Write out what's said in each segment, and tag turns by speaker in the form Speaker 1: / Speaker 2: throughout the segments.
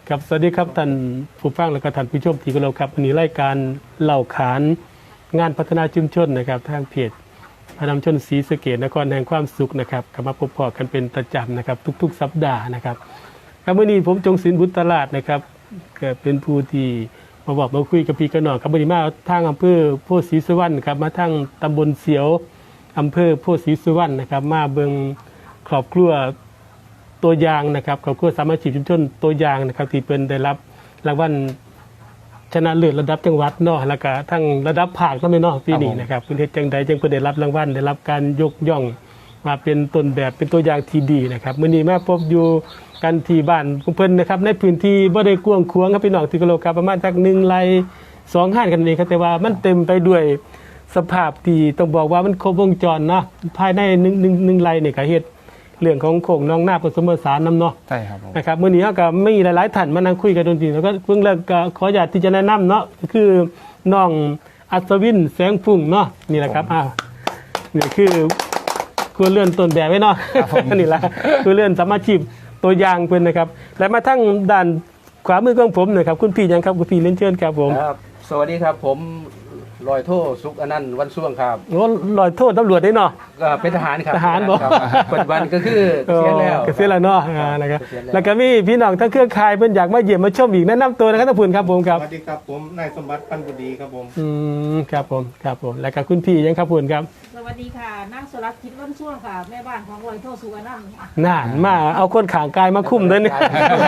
Speaker 1: ครับสวัสดีครับท่านผู้ฟังและก็ท่านผู้ชมที่เคารพครับวันนี้รายการเล่าขานงานพัฒนาชุมชนนะครับทางเพจพนมชนศรีสะเกษนครแห่งความสุขนะครับกลับมาพบกันเป็นประจำนะครับทุกๆสัปดาห์นะครับครับวันนี้ผมจงศิลป์บุตรตลาดนะครับก็เป็นผู้ที่มาบอกมาคุยกับพี่กันหน่อยครับวันนี้มาทางอำเภอโพธิ์ศรีสุวรรณครับมาทางตำบลเสียวอำเภอโพธิ์ศรีสุวรรณนะครับมาเบิ่งครอบครัวตัวอย่างนะครับครอบครัวสามัคคีชุมชนตัวอย่างนะครับที่เป็นได้รับรางวัลชนะเลิศระดับจังหวัดเนาะแล้วก็ทั้งระดับภาคก็ไม่เนาะปีนี้นะครับคุณเฮ็ดจังใดจังเพิ่นได้รับรางวัลได้รับการยกย่องมาเป็นต้นแบบเป็นตัวอย่างที่ดีนะครับมื้อนี้มาพบอยู่กันที่บ้านของเพิ่นนะครับในพื้นที่บ่ได้กว้างขวางครับพี่น้องที่กะโลครับประมาณจัก1ไร่2 ห้านกันเองครับแต่ว่ามันเต็มไปด้วยสภาพที่ต้องบอกว่ามันครบวงจรเนาะภายใน1ไร่นี่ก็เฮ็ดเรื่องของโขงน้องหน้าผสมผสานน้ำเนาะ
Speaker 2: ใช่ครับผม
Speaker 1: นะครับเมื่อนี้ก็มีหลายๆท่านมานั่งคุยกันดนตรีแล้วก็เพิ่งเลิกก็ขออยากที่จะแนะนำเนาะคือน้องอัศวินแสงพุ่งเนาะนี่แหละครับนี่คือคือเลื่อนต้นแบบไว้เนาะนี่แหละคือเลื่อนสามัคคีตัวอย่างเพิ่นนะครับและมาทั้งด้านขวามือของผมนะครับคุณพี่ยังครับคุณพี่เล่นเชิญครับผม
Speaker 3: ครับสวัสดีครับผมลอยโทสุขอนันต์วันช่วงครับ
Speaker 1: โอ้ลอยโทษตำรวจได้เนาะ
Speaker 3: เป็นทหารครับ
Speaker 1: ทหารบ่
Speaker 3: ปัจจุบันก็คือเสียแล้ว
Speaker 1: เสียแล้วเนาะนะครับแล้วก็มีพี่น้องทั้งเครือข่ายเพิ่นอยากมาเยี่ยมมาชมอีกแนะนำตัวนะครับท่านผู้ครับผมครับ
Speaker 4: สวัสดีครับผมนายสมบัติปันบุดีครับผม
Speaker 1: ครับผมแล้วก็คุณพี่ยังครับคุณครับ
Speaker 5: สวัสดีค่ะนางสรัตน์คิดวันช่วงค่ะแม่บ้านของลอยโทสุวรรณ
Speaker 1: น่านมาเอาคนขางกายมาคุ้มด้วยนี่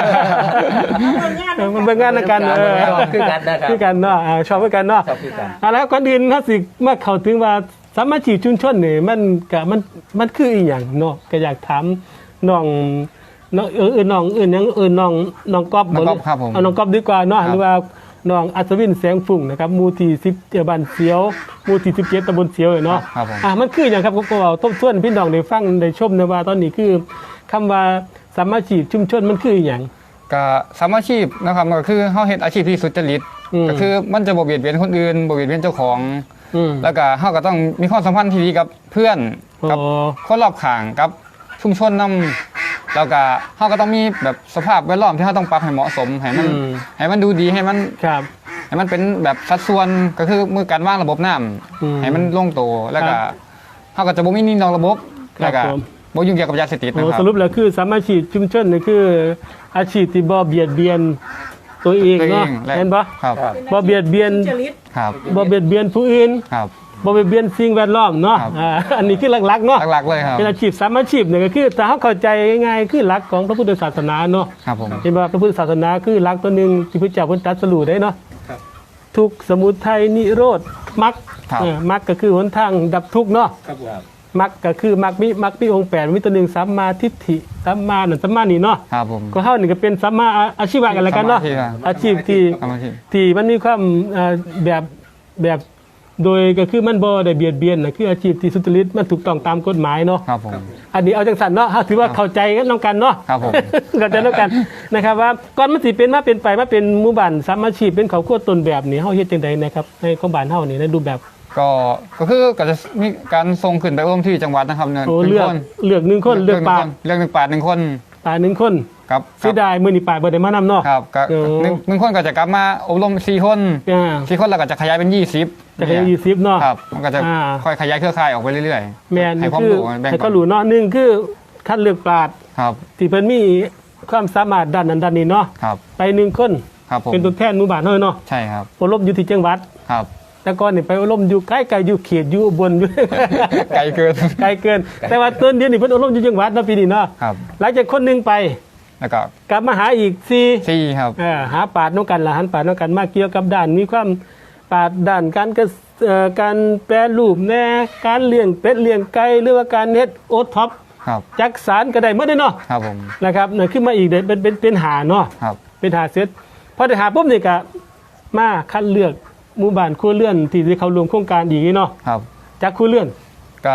Speaker 1: มันเป็นงานในการคือกันเนาะชอบกันเนาะแล้วก่อนอื่นถ้าสิมาเข้าถึงว่าสามัคคีชุมชนนี่มันคืออีหยังเนาะก็อยากถามน้องน้องก๊อฟเอาน้องก๊อฟดีกว่าเนาะหรือว่าน้องอัศวินแสงฝุ่งนะครับหมู่ที่10บ้านเสียวหมู่ที่17ตำบลเสียวเนาะมันคืออย่างครับก็เอาทบทวนพี่น้องได้ฟังได้ชมนะว่าตอนนี้คือคำว่าสามัคคีชุมชนมันคืออย่าง
Speaker 2: ก็สามัคคีนะครับก็คือเฮาเฮ็ดอาชีพที่สุจริตก็คือมันจะบ่เบียดเบียนคนอื่นบ่เบียดเบียนเจ้าของแล้วก็เฮาก็ต้องมีความสัมพันธ์ที่ดีกับเพื่อนกับคนรอบข้างกับชุมชนนำแล้วก็เฮาก็ต้องมีแบบสภาพแวดล้อมที่เฮาต้องปรับให้เหมาะสมให้มันดูดีให้มันเป็นแบบสัดส่วนก็คือมือการวางระบบน้ำให้มันลงตัวแล้วก็เฮาก็จะบ่มีหนี้นอกระบบแล้วก็บ่ยุ่งเกี่ยวกับยาเสพติดนะครับ
Speaker 1: สรุปแล้วคือสามัคคีชุมชนนี่คืออาชีพที่บ่เบียดเบียนตัวเองเนาะเห็นปะบ่เบียดเบียนบ่เบียดเบียนผู้อื่นบ่เบียดเบียนสิ่งแวดล้อมเนาะอันนี้คือหลักๆเนาะ
Speaker 2: หลักๆเลยครับ
Speaker 1: เป็นอาชีพสามัคคีเนี่ยก็คือถ้าเขาเข้าใจง่ายๆคือหลักของพระพุทธศาสนาเนาะเห็นป่ะพระพุทธศาสนาคือหลักตัวนึงที่พระเจ้าเพิ่นตรัสรู้ได้เนาะทุกข์สมุทัยนิโรธมรรคมรรคก็คือหนทางดับทุกข์เนาะมรรคก็คือมรรคมีองค์8มีตัวหนึ่งสัมมาทิฏฐิสัมมานี่เนาะก็เฮานี่ก็เป็นสัมมาอาชีวะกันแล้วกันเนาะอาชีพที่มันมีความแบบโดยก็คือมันบ่ได้เบียดเบียนนะคืออาชีพที่สุจริตมันถูกต้องตามกฎหมายเนาะอันนี้เอาจังซั่นเนาะถือว่าเข้าใจกันน้องกันเนาะเข้าใจน้องกันนะครับว่าก่อนมันสิเป็นมาเป็นไปมาเป็นหมู่บ้านสามัคคีเป็นครอบครัวต้นแบบนี่เฮาเฮ็ดจังได๋นะครับในของบ้านเฮานี่ในรูปแบบ
Speaker 2: ก็คือก็จะมีการส่งขึ้นไปอบรมที่จังหวัดนะครับ
Speaker 1: 1คนเลือก1ปาด
Speaker 2: 1ปาด1คน
Speaker 1: ปาด1คนครับเสียดายมื้อนี้ปาดบ่ได้มานำเนาะ
Speaker 2: ครับก็1คนก็จะกลับมาอบรม4คน4คนแล้วก็จะขยายเป็น20
Speaker 1: จะขยาย20เนาะ
Speaker 2: ครับมันก็จะค่อยขยายเครือข่ายออกไปเรื่อย
Speaker 1: ๆแม่นให้ความรู้ให้เขารู้เนาะ1คือคัดเลือกปาด
Speaker 2: ครับ
Speaker 1: ที่เพิ่นมีความสามารถด้านนั้นด้านนี้เนาะไป1คนเป็นตัวแทนหมู่บ้านเฮาเนาะ
Speaker 2: ใช่ครับ
Speaker 1: อบรมอยู่ที่จังหวัด
Speaker 2: ครับ
Speaker 1: แต่ก่อนนี่ไปอบรมอยู่ใกล้ๆอยู่เขตอยู่อุบลอยู่
Speaker 2: ไกลเกิน
Speaker 1: แต่ว่าต้นเดือนนี่เพิ่นอบรมอยู่จังหวัดเนาะปีนี้เนาะหลังจากคนนึงไป
Speaker 2: แล้วก็
Speaker 1: กลับมาหาอีก4
Speaker 2: ครับ
Speaker 1: หาปาดนำกันล่ะหันปาดนำกันมาเกี่ยวกับด้านมีความปาดด้านการแปรรูปแน่การเลี้ยงเป็ดเลี้ยงไก่หรือว่าการเฮ็ดโอท็อปจักสารก็ได้หมดเนาะ
Speaker 2: ครับผม
Speaker 1: นะครับนั่นขึ้นมาอีกได้เป็นหาเนาะเป็นหาเสร็จพอได้หาปุ๊บนี่ก็มาคัดเลือกหมู่บ้านครัวเรือนที่เข้ารวมโครงการอีกเนาะจากครัวเรือน
Speaker 2: ก็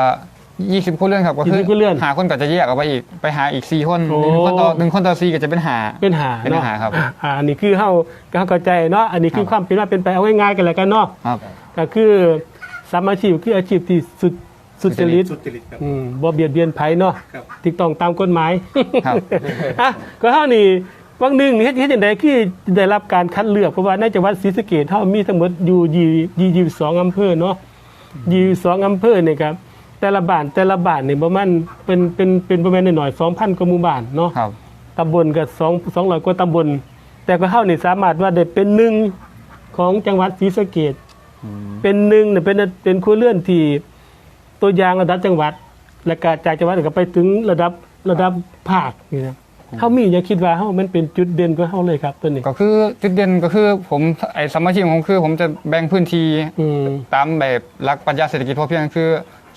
Speaker 2: 20คนเรื่องครับก็คือหาคนก็จะแยกออกไปอีกไปหาอีก4คน1คนต่อ4ก็จะเป็นหาครับ
Speaker 1: อันนี้คือเฮาเข้าใจเนาะอันนี้คือความเป็นมาเป็นไปเอาง่ายๆกันแล้วกันเนาะก็คือสามัคคีคืออาชีพที่สุจริตบ่เบียดเบียนไผเนาะถูกต้องตามกฎหมายก็เฮานี่วังหนึ่งเฮ็ดจังไดคือได้รับการคัดเลือกเพราะว่าในจังหวัดศรีสะเกษเฮามีทั้งหมดอยู่22อำเภอเนาะ22อำเภอนี่ครับแต่ละบ้านนี่ประมาณเป็นประมาณน้อยๆ 2,000 กว่าหมู่บ้านเนาะ
Speaker 2: ครับ
Speaker 1: ตำบลก็200 กว่าตำบลแต่ก็เฮานี่สามารถว่าได้เป็นหนึ่งของจังหวัดศรีสะเกษเป็นหนึ่งเนี่ยเป็นครัวเรือนที่ตัวอย่างระดับจังหวัด และก็จากจังหวัดก็ไปถึงระดับภาคนี่นะเฮามีอย่าคิดว่าเฮามันเป็นจุดเด่นของเฮาเลยครับตัวนี้
Speaker 2: ก็คือจุดเด่นก็คือผมไอ้สมาชิกของผมคือผมจะแบ่งพื้นที่
Speaker 1: อืม
Speaker 2: ตามแบบหลักปรัชญาเศรษฐกิจพอเพียงคือ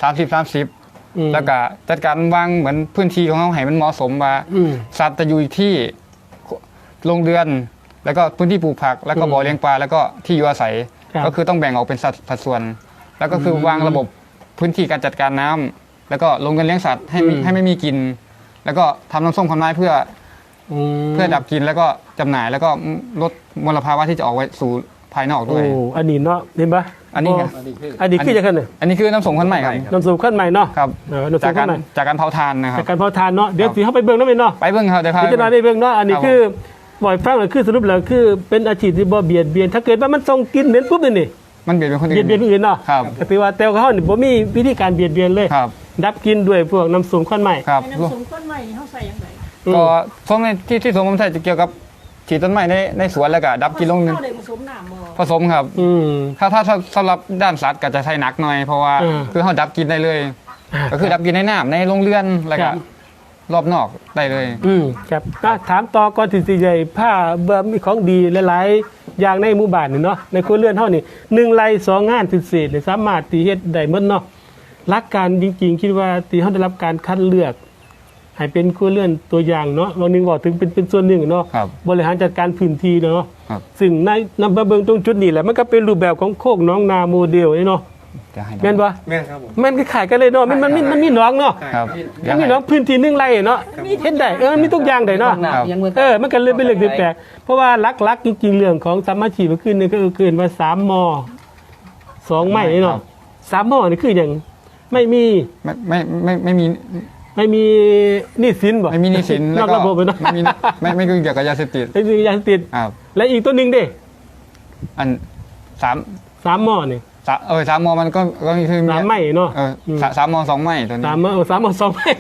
Speaker 2: 30 แล้วก็จัดการวางเหมือนพื้นที่ของเขาให้มันเหมาะสมว่า
Speaker 1: อืม
Speaker 2: สัตว์จะอยู่ที่โรงเรือน แล้วก็พื้นที่ปลูกผัก แล้วก็บ่อเลี้ยงปลาแล้วก็ที่อยู่อาศัย
Speaker 1: ครับ
Speaker 2: ก็คือต้องแบ่งออกเป็นสัดส่วน แล้วก็คือวางระบบพื้นที่การจัดการน้ำแล้วก็ลงเงินเลี้ยงสัตว์ให้ไม่มีกิน แล้วก็ทำน้ำส้มคำน้ายเพื่อดับกลินแล้วก็จำหน่ายแล้วก็ลดมลภาวะที่จะออกไว้สู่ภายนอกด้วย
Speaker 1: โอ้อันนี้เนาะเห็นปะ
Speaker 2: อันนี้ไง
Speaker 3: อันนี้คือ
Speaker 1: อันนี้คือจะขึ้นเนี่ย
Speaker 2: อันนี้คือน้ำส้มขั้นใหม่ครับ
Speaker 1: น้ำสูบขั้นใหม่เนาะ
Speaker 2: ครับ
Speaker 1: น้ำสู
Speaker 2: จาก
Speaker 1: บ
Speaker 2: กา
Speaker 1: ขั้
Speaker 2: ร
Speaker 1: นใหม่
Speaker 2: จากการเผาทานนะครั
Speaker 1: จา
Speaker 2: บ
Speaker 1: กการเผาทานเนาะเดี๋ยวสิเข้าไปเบิ่งแล้วแม่นเนาะ
Speaker 2: ไปเบิ้งครับเดี๋ยวพา
Speaker 1: พิจารณาได้เบิ่งเนาะอันนี้
Speaker 2: ครับ
Speaker 1: คือบ่อยฟังเลยคือสรุปแล้วคือเป็นอาชีพที่บ่เบียดเบียนถ้าเกิดว่ามันส่งกลินเหม็นปุ๊บนี่
Speaker 2: มันเบียดเป็นคน
Speaker 1: เบียดเบียนผู้อื่นเนาะ
Speaker 2: ครับ
Speaker 1: ก็ถือว่าแต่ว่าเขานี่บ่มีวิธีการเบียดเบียนเลย
Speaker 2: ครับ
Speaker 1: ดับกลินด้วยพวกน้ำสูบขั้นใหม่
Speaker 2: ครับ
Speaker 5: ในน้ำสมข้นใหม่นี่เขาใส่ยังไง
Speaker 2: ก็ส้มในที่สวนผมใส่จะเกี่ยวกับฉีดต้นไม้ในสวนแล้วก็ดับกินลง
Speaker 5: เข้าเลยผสมน้ำบ่
Speaker 2: ผสมครับ
Speaker 1: อืม
Speaker 2: ถ้าสำหรับด้านสัตว์ก็จะใช้หนักหน่อยเพราะว่า คือเขาดับกินได้เลย ก็คือดับกินในน้ำในโรงเรือนแล้ว
Speaker 1: ค
Speaker 2: ก็
Speaker 1: รับ
Speaker 2: รอบนอกได้เลย
Speaker 1: ครับถามต่อก่อนที่สิใหญ่ผ้าเบิ่มีของดีหลายๆอย่างในหมู่บ้านนี่เนาะในครัวเรือนเฮานี่1ไร่2งานพิเศษนี่สามารถที่เฮ็ดได้หมดเนาะหลักการจริงๆคิดว่าที่เฮาได้รับการคัดเลือกให้เป็นครัวเรือนตัวอย่างเนาะเรานึงบอกถึงเป็นส่วนหนึ่งเนาะ
Speaker 2: ครับ
Speaker 1: บริหารจัดการพื้นที่เนาะ
Speaker 2: ครับ
Speaker 1: ซึ่งในนำมาเบิ่งตรงจุดนี้แหละมันก็เป็นรูปแบบของโคกหน้องนาโมเดลนี่เนาะ
Speaker 2: จะให้
Speaker 1: แม่นบ่
Speaker 4: แม่นครับผม
Speaker 1: มันก็ขายกันเลยเนาะมันมีหน้องเนาะ
Speaker 2: ครับ
Speaker 1: มันมีหน้องพื้นที่1ไร่เนาะเฮ็ดได้มันมีทุกอย่างได้เนาะ
Speaker 3: น้ำยังเหมือน
Speaker 1: มันก็เลยเป็นเรื่องที่แปลกเพราะว่าหลักๆจริงๆเรื่องของสามัคคีก็คือนึงก็คือว่า3ม2ไม่นี่เนาะ3มนี่คือหยังไม่มี
Speaker 2: ไม่มี
Speaker 1: หนี้สินบ่
Speaker 2: ไม่มีหนี้สิน
Speaker 1: น
Speaker 2: แล้
Speaker 1: อ
Speaker 2: ว
Speaker 1: ก
Speaker 2: ก็
Speaker 1: ระบบไปเนาะ
Speaker 2: ไม่เกี่ยวกับยาเสพติด
Speaker 1: ไม่มียาเสพติด
Speaker 2: ครับ
Speaker 1: และอีกตัวหนึงเด้
Speaker 2: อันสาม
Speaker 1: 3มนี่
Speaker 2: สามมอมันก็คือ
Speaker 1: 3ไม่เนาะ
Speaker 2: สามมอ2ไม่ตัวนี้
Speaker 1: 3ม2ไม่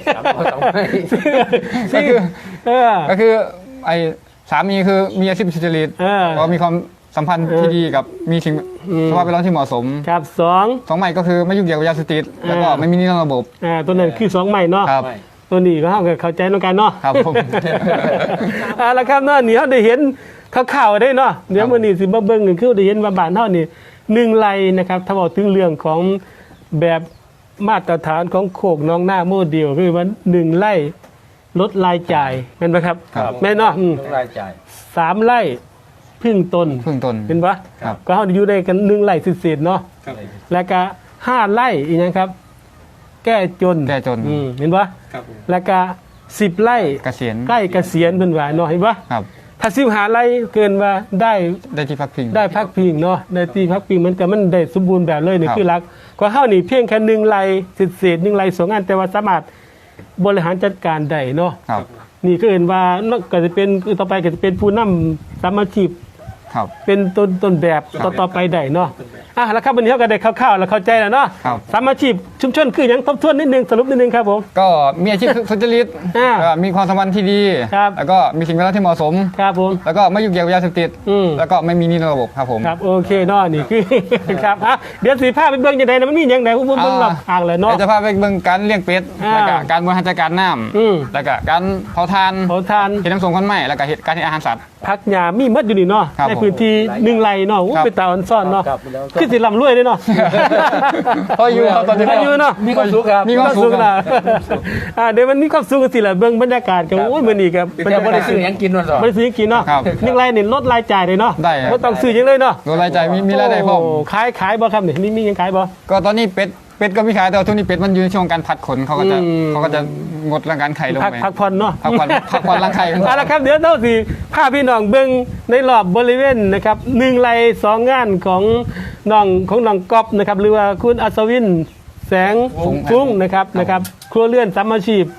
Speaker 2: ก็คือ
Speaker 1: อ
Speaker 2: ก็คือไอ้สามีคือมีอาชีพสุจริต ก็มีความสัมพันธ์ที่ดีกับมีสิ่งสภาพแวดล้อมที่เหมาะสม
Speaker 1: ครับ2
Speaker 2: 2ใหม่ก็คือไม่ยุ่งเกี่ยวกับยาเสพติดแล้วก็ไม่มีหนี้นอกระบบ
Speaker 1: ตัวนั้นคือ2ไม่เนาะ
Speaker 2: ครับ
Speaker 1: ตัวนี้ก็เฮาก็เข้าใจนำกันเนาะ
Speaker 2: ครับผม
Speaker 1: แล้วครับเนาะนี่เฮาได้เห็นข่าวๆได้เนาะเดี๋ยวมื้อนี้สิมาเบิ่งกันคือได้เห็นว่าบ้านเฮานี่1ไร่นะครับถ้าบอกถึงเรื่องของแบบมาตรฐานของโคกน้องหน้าโมเดลคือว่า1ไร่ลดรายจ่ายแม่นบ่ครับ
Speaker 2: ครับ
Speaker 1: แม่นเนาะ
Speaker 3: ต้องรายจ่าย
Speaker 1: 3ไร่พึ่งตน
Speaker 2: เพิ่งต้น
Speaker 1: เห็นปะ
Speaker 2: ครับ
Speaker 1: ก็เฮาอยู่ได้กัน1ไร่เศษๆเนาะ
Speaker 4: ครับ
Speaker 1: แล้วก็5ไร่อีกนะครับ แก้จน
Speaker 2: แก้จน
Speaker 1: เห็นปะ
Speaker 4: ครับผม
Speaker 1: แล้วก็10ไร่
Speaker 2: เกษียณ
Speaker 1: ใกล้เกษียณเพิ่นว่าเนาะเห็นปะ
Speaker 2: ครับ
Speaker 1: ถ้า15ไร่เกินว่าได้
Speaker 2: ได้ที่พักพิง
Speaker 1: ได้พักพิงเนาะได้ที่พักพิงมันก็มันได้สมบูรณ์แบบเลยนี่
Speaker 2: ครับ
Speaker 1: คือหลักก็เฮานี่เพียงแค่1ไร่เศษๆ1ไร่2อันแต่ว่าสามารถบริหารจัดการได้เนาะ
Speaker 2: ครับ
Speaker 1: นี่ก็เห็นว่านอกก็จะเป็นคือต่อไปก็จะเป็นผู้นำสามัคคี
Speaker 2: ครับ
Speaker 1: เป็นต้นแบบต่อไปได้เนาะแล้วครับวันนี้เราก็ได้คร่าวๆแล้วเข้าใจแล้วเนาะ
Speaker 2: ครับ
Speaker 1: สามัคคีชุมชนคือหยังทบทวนนิดนึงสรุปนิดนึงครับผม
Speaker 2: ก็มีอาชีพสุจริต
Speaker 1: อ่า
Speaker 2: มีความสัมพันธ์ที่ดี
Speaker 1: ครับ
Speaker 2: แล้วก็มีสิ่งแวดล้อมที่เหมาะสม
Speaker 1: ครับผม
Speaker 2: แล้วก็ไม่ยุ่งเกี่ยวกับยาเสพติด
Speaker 1: อืม
Speaker 2: แล้วก็ไม่มีหนี้นอกระบบครับผม
Speaker 1: ครับโอเคเนาะนี่คือ ครับเดี๋ยวสีผ้าไปเบิ่งยังไงนะมันมีอย่างไรผมเบิ่งรอบอ่างเลยเนาะ
Speaker 2: ดี๋ยวจะพาไปเบิ่งการเลี้ยงเป็ด
Speaker 1: อ่า
Speaker 2: แล้วก็การบริหารจัดการน้
Speaker 1: อืม
Speaker 2: ำแล้วก็การเผาทาน
Speaker 1: เขาทาน
Speaker 2: เห็ดน้ำส้มคนใหม่แล้วก็เห็ดการเห็ดอาหารสัตว์
Speaker 1: พักหญ้ามีหมดอยู่นี่เนาะ
Speaker 2: ครับ
Speaker 1: ในพื้นที่1ไร่เนาะ
Speaker 2: ครับ
Speaker 1: เป็นตาอ่อนซ่อนเนาะ
Speaker 3: ครับแล้วก็
Speaker 1: คือสิร่ำรวยเลยเนาะ
Speaker 2: พออยู่ครับตอนนี้
Speaker 1: พออยู่เนาะ
Speaker 3: มีความสุขครับ
Speaker 2: มีความสุข
Speaker 1: นะเดี๋ยวมันมีความสุขกันสิล่ะเบิ่งบรรยากาศกันโอ้ยมื้อนี้ครับ
Speaker 3: แต่บ่ได้ซื้อหยังกินวันสอง
Speaker 1: บ่ได้ซื้อกินเนาะ
Speaker 2: ครับ
Speaker 1: 1ไร่นี่ลดรายจ่ายเลยเนาะ
Speaker 2: ได้ครับ
Speaker 1: บ่ต้องซื้อหยังเลยเนาะ
Speaker 2: โดยรายจ่ายมีรายได้พร้อม
Speaker 1: โขายบ่ครับนี่มีหยังขายบ่
Speaker 2: ก็ตอนนี้เป็ดก็มีขายแต่ว่าทุกนี้เป็ดมันอยู่ในช่วงการผัดขนเขาก็จะ
Speaker 1: อืม
Speaker 2: งดร่างการไข่ลงไป
Speaker 1: พักผ่อนเนาะ
Speaker 2: พักผ่อนร่างไข่
Speaker 1: เอาละครับเดี๋ยวเราสิพาพี่น้องเบิ่งในรอบบริเวณนะครับ1ไร่2งานของน้องก๊อฟนะครับหรือว่าคุณอัศวินแสงฟุ้งนะครับครัวเรือนสามัคคี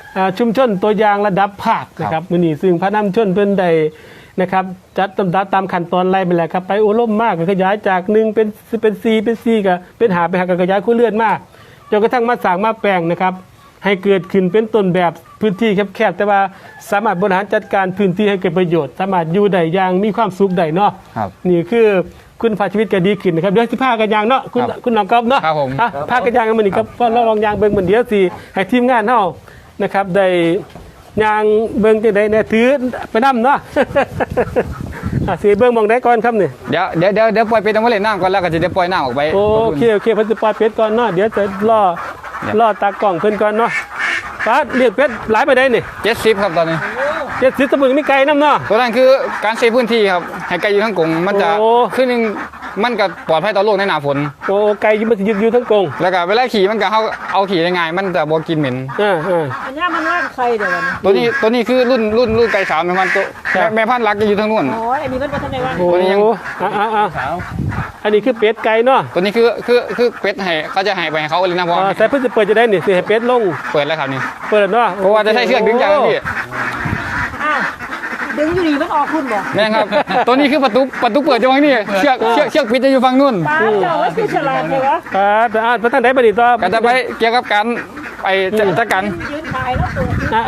Speaker 1: ชุมชนตัวอย่างระดับภาคนะครับมื้อนี้ซึ่งพระนำชนเพิ่นได้นะครับจัดลำดับตามขั้นตอนไล่ไปแล้วครับไปอบรมมากก็ขยายจาก1เป็น4เป็น4ก็เป็น5ไปหาก็ขยายคู่เลื่อนมากจนกระทั่งมาสร้างมาแปลงนะครับให้เกิดขึ้นเป็นต้นแบบพื้นที่แคบๆแต่ว่าสามารถบริหารจัดการพื้นที่ให้เกิดประโยชน์สามารถอยู่ได้อย่างมีความสุขได้เนาะ
Speaker 2: ครับ
Speaker 1: นี่คือคุณภาพชีวิตก็ดีขึ้นนะครับเดี๋ยวสิพากันยางเนาะคุณน้องก๊อฟเนาะ
Speaker 2: ครับผม
Speaker 1: พากันยางกันมื้อนี้ครับก็ลองยางเบิ่งมื้อเดียวสิให้ทีมงานเฮานะครับได้ยางเบิ่งจังได๋แน่ถือไปนํเนาะ สิเบิ่งมองได้ก่อนครับนี่
Speaker 2: เดี๋ยวปล่อยเป็ดเอามาเล่นน้ำก่อนแล้วก็จะได้ปล่อยน้ำออกไป
Speaker 1: โอเคเพิ่นสิปล่อยเป็ดก่อนเนาะเดี๋ยวจะรอตากล้องเพิ่นก่อนเนาะป้าเรียกเป็ดหลายไปได้นี่
Speaker 2: 70ครับตอนนี้
Speaker 1: 70ตะบึงมีไก่นำเนาะ
Speaker 2: ตัวนั้นคือการเซฟพื้นที่ครับให้ไก่อยู่ทั้งกรงมันจะ
Speaker 1: โอ้
Speaker 2: ขึ้นหนึงมันก็ปลอดภัยต่อโรคในหน้าฝน
Speaker 1: โอ้ไก่มันสิอยู่ทั้งกรง
Speaker 2: แล้วก็เวลาขี่มันก็เอาขี่ได้ง่ายมันจะบ่กินเหม็น
Speaker 5: อันนี้มันร่างใครเดี๋ยววันนี้
Speaker 2: ตัวนี้คือรุ่นไก่สาวแม่พันธุ์ตัว
Speaker 1: ครับ
Speaker 2: แม่พันธุ์รักจะอยู่ทางนู้น
Speaker 5: อ๋ออันนี้มันเป็นทันในว่าง
Speaker 1: โอ้
Speaker 2: ตัวนี้ยัง
Speaker 1: อันนี้คือเป็ดไก่เนาะ
Speaker 2: ตัวนี้คือเป็ดให้เขาจะให้ไปให้เขาเลยนะเพราะ
Speaker 1: ใส่เพิ่นสิเปิดจะได้นี่สิให้เป็ดลง
Speaker 2: เปิดแล้วครับนี่
Speaker 1: เปิดเนาะ
Speaker 2: เพราะว่าจะใช้เชือกดึงจากนั้นพี่
Speaker 5: อ้าวดึงอยู่ดีมันออกคุณบ่
Speaker 2: แม่นครับ ตัวนี้คือประตูเปิดจะวางนี่เชือกปิดจะอยู่ฝั่งนู้น
Speaker 5: ป้าเจ้าว่าคือฉลาดเลยวะ
Speaker 1: แต่พระท่านได้บัดนี้ต่อ
Speaker 2: ก็จะไปเกี่ยวกับการไปจัดการ
Speaker 5: ยืนถ่ายแล้วตัว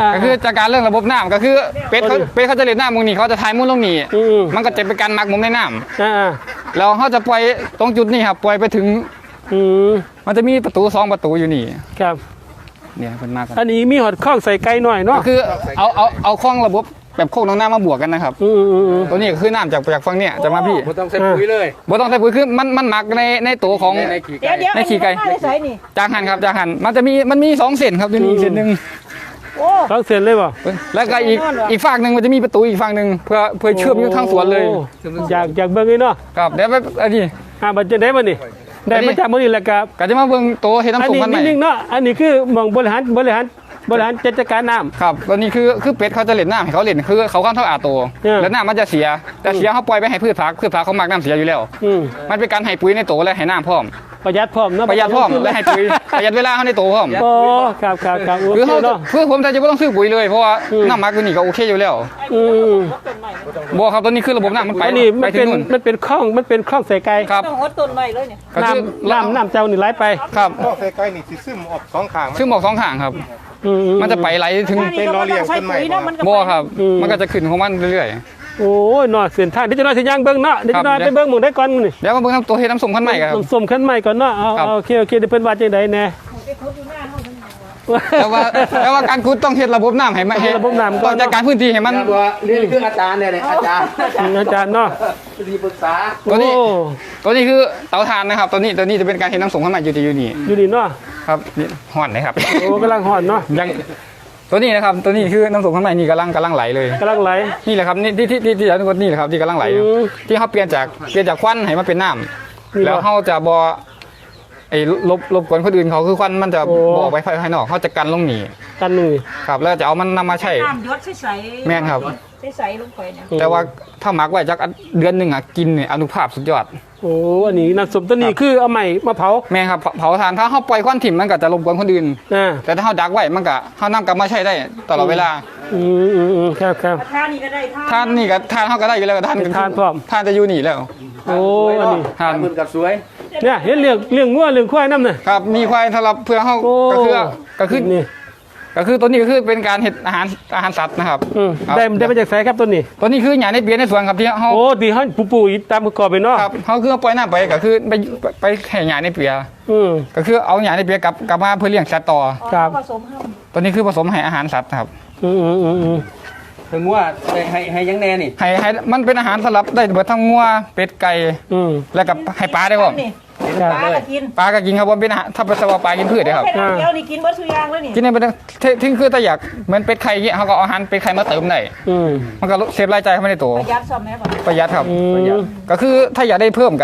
Speaker 2: ก็คือจัดการเรื่องระบบน้ำก็คือเป็ดเขาจะเล่นน้ำมุมนี้เขาจะทายมุมลงนี่มันก็จะเป็นการมักมุมในน้ำแล้วเขาจะปล่อยตรงจุดนี้ครับปล่อยไปถึงมันจะมีประตู2ประตูอยู่นี่
Speaker 1: ครับ
Speaker 2: เนี่ยเป็นมาก
Speaker 1: อันนี้มีหอดข้องใส่ไก่หน่อยเนาะ
Speaker 2: ก็คือเอาคล้องระบบแบบโคกน้ำมาบวกกันนะครับตัวนี้ก็คือน้ำจากฝั่งเนี่ยจะมาพี่
Speaker 3: บ่ต้องใส่ปุ๋ยเลย
Speaker 2: บ่ต้องใส่ปุ๋ยคือมันหมักในตัวของ
Speaker 3: ในขี้
Speaker 5: เดี๋
Speaker 3: ไก่
Speaker 5: ยว
Speaker 2: ในขี้ไก่
Speaker 5: ได้ใส่นี่
Speaker 2: จางหันครับจางหันมันมี2เส้นครับตัวนี้อีกเส้นหนึ่ง
Speaker 5: โอ้
Speaker 1: ต้องเสียนเลยบ่
Speaker 2: แล้วก็อีกฝั่งหนึ่งมันจะมีประตูอีกฝั่งหนึ่งเพื่อเชื่อมอยู่ทั้งสวนเลย
Speaker 1: โอ้อยากเบิ่งนี่เนาะ
Speaker 2: ครับเดี๋ยวไปอันนี้
Speaker 1: บัดจะได้บ่นี่ได้มาจากมื้อนี้แหละครับ
Speaker 2: ก็จะมาเบิ่งโตเฮ็ด
Speaker 1: อัน
Speaker 2: น้ำส้ม
Speaker 1: นี้
Speaker 2: กันใหม่
Speaker 1: นิ่งๆเนาะอันนี้คือหมองบริหารจัดการน้ำ
Speaker 2: ครับตัวนี้คือเป็ดเขาจะเล่นน้ำให้เขาเล่นคือเขาข้ามเท่าอาโต แล้วน้ำมันจะเสียแต่เสียเขาปล่อยไปให้พืชผักเขามักน้ำเสียอยู่แล้ว มันเป็นการให้ปุ๋ยในโตและให้น้ำพร้อม
Speaker 1: ประหยัดพร้อมเนาะ
Speaker 2: ประหยัดพร้อมและให้ปุ๋ยประหยัดเวลาเขาในโตพร้อม
Speaker 1: โอ้ครับโอ
Speaker 2: คือ
Speaker 1: เค
Speaker 2: เขา
Speaker 1: เนาะ
Speaker 2: คือผมแต่จะไม่ต้องซื้อปุ๋ยเลยเพราะว่าน้ำหมักตัวนี้ก็โอเคอยู่แล้ว
Speaker 1: อืม
Speaker 5: ต้นใหม่
Speaker 2: บ่ครับตัวนี้คือระบบน้ำมันไป
Speaker 1: อันนี้
Speaker 2: ไป
Speaker 1: มัน
Speaker 2: ถึ
Speaker 1: เป็
Speaker 2: ง
Speaker 1: น
Speaker 2: นู่น
Speaker 1: มันเป็นข้องใส่ไก่
Speaker 2: ครับ
Speaker 5: ต้องหดต้นใหม่เลยเนี่ย
Speaker 2: ก็คือ
Speaker 1: น้ำเจ้านี่ไหลไป
Speaker 2: ครับ
Speaker 4: ข้อใส่ไก่นี่สิซึมออกสองข้าง
Speaker 2: ซึ่งบอก2ข้างครับ มันจะไปไหลถึง
Speaker 4: เป็นล้อเลียงต้นไม้
Speaker 2: บ่ครับ มันก็จะขึ้นของมันเรื่อย
Speaker 1: โอ้ยเนาะเส้นทางเดี๋ยวจะน้อยสิย่างเบิ่งเนาะเดี๋ยวจะน้อย
Speaker 2: ครับ
Speaker 1: ไปเบิ่งหมู่ได้ก่อนมื้อนี่
Speaker 2: ๆเดี๋ยวมาเบิ่งน้ำตัวเฮ็ดน้ำส้มขั้นใหม่ครับ
Speaker 1: สมขั้นใหม่ก่อนเนาะเอา
Speaker 2: ครับ
Speaker 1: โอเคเดี๋ยวเพิ่นว่าจังได๋แน่
Speaker 5: ไปทุบอยู่หน้าเฮาทั้งหมด
Speaker 2: แต่ว่าการขุดต้องเฮ็ดระบบน้ำให้มัน
Speaker 1: เฮ็ดระบบน้ำก่
Speaker 2: ต้
Speaker 1: อ
Speaker 2: อน งจัดการพื้นที่ให้มัน
Speaker 3: นี่คืออาจารย์เนี่ยอาจารย์
Speaker 1: อาจารย์เนาะ
Speaker 3: ที่ปรึกษา
Speaker 2: ตัวนี้
Speaker 1: โอ้
Speaker 2: ตัวนี้คือเตาถ่านนะครับ ตัวนี้จะเป็นการเฮ็ดน้ำส้มขั้นใหม่อยู่นี่
Speaker 1: อยู่นี่เนาะ
Speaker 2: ครับนี่ฮ้อนเลยครับ
Speaker 1: โอ้กำลังฮ้อนเนาะ
Speaker 2: ยังตัวนี้นะครับตัวนี้คือน้ำส้มขั้นใหม่นี่กำลังไหลเลย
Speaker 1: กำลังไหล
Speaker 2: นี่แหละครับนี่ที่อาจารย์นี่แหละครับที่กำลังไหลอยู่ ที่เขาเปลี่ยนจากควันให้มันเป็นน้
Speaker 1: นี่
Speaker 2: ำแล้ว
Speaker 1: บ่
Speaker 2: เขาจะบอไอ้ลบกวนคนอื่นเขาคือควันมันจะ
Speaker 1: โอ้
Speaker 2: บออกไปภายนอกเขาจะกันลงหนี
Speaker 1: กันนี่
Speaker 2: ครับแล้วจะเอามันนำมาใช้
Speaker 5: น้ำหยดใสๆ
Speaker 2: แม่นครับ
Speaker 5: ใสๆลงไปเนี่ย
Speaker 2: แต่ว่าถ้าหมักไว้จากเดือนหนึ่งอ่ะกินเนี่ยอนุภาพสุดยอด
Speaker 1: โอ้อันนี้น้ำส้มตัวนี้คือเอาใหม่มาเผา
Speaker 2: แม่นครับเผาถ่านถ้าเขาปล่อยควันถิ่มมันก็จะรบกวนคนอื่น
Speaker 1: อ่า
Speaker 2: แต่ถ้าเขาดักไว้มันก็เขานำกลับมาใช้ได้ตลอดเวลา
Speaker 1: ครับ
Speaker 5: ทานนี่ก็ได้
Speaker 2: ท่านนี่ก็ท่านเขาก็ได้อยู่แล้วท่าน
Speaker 1: ทานพร้อม
Speaker 2: ท่านจะอยู่นี่แล้ว
Speaker 1: โอ้อันนี้
Speaker 2: ท่าน
Speaker 3: มือกับสวย
Speaker 1: เนี่ยเห็นเรื่องงัวเรื่องควายนำน่ะ
Speaker 2: ครับมีควายสำหรับเพื่อเขา
Speaker 1: โอ้
Speaker 2: ก็คือ
Speaker 1: นี่
Speaker 2: ก็คือตัวนี้ก็คือเป็นการเห็ดอาหารสัตว์นะครับ ครับ
Speaker 1: ได้มาจากไสครับตัวนี้
Speaker 2: ตัวนี้คือหญ้าในเปียในสวนครับที่เขา
Speaker 1: โอ้ดีเฮาปู่ๆอีตามประกอบไปเนาะ
Speaker 2: ครับเขาคือเอาปล่อยน้ำไปก็คือไปแห่หญ้าในเปีย
Speaker 1: อืม
Speaker 2: ก็คือเอาหญ้าในเปียกลับมาเพื่อเลี้ยงสัตว์ต่อ
Speaker 1: ครับ
Speaker 5: ผสมห้าม
Speaker 2: ตัวนี้คือผสมให้อาหารสัตว์ครับ
Speaker 1: อืม
Speaker 3: ถึงว่าให้ยังแน่นี่
Speaker 2: ให้มันเป็นอาหารสำหรับได้เบิดทั้งงัวเป็ดไก่ แล้วกับให้ปลาได้บ่
Speaker 5: นี่
Speaker 1: ค
Speaker 5: ป
Speaker 1: รับ
Speaker 5: ลาก็กิน
Speaker 2: ปลาก็กินครับว่าเป็นอาหารถ้าเป็นสวาปลากินพืชได้ครับ
Speaker 5: แค่น้ำเดียวนี่กินเบิดสุยางแล้วนี่
Speaker 2: กินได้เป็นทิ้งคือถ้าอยากเหมือนเป็ดไข่เงี้ยเขาก็เอาอาหารเป็ดไข่มาเติมได้
Speaker 1: อืม
Speaker 2: มันก็เซฟรายจ่ายเข้าไปในตัว
Speaker 5: ประหยัดซ่อมแม่บ่
Speaker 2: ประหยัดครับ
Speaker 1: อืม
Speaker 2: ก็คือถ้าอยากได้เพิ่มก็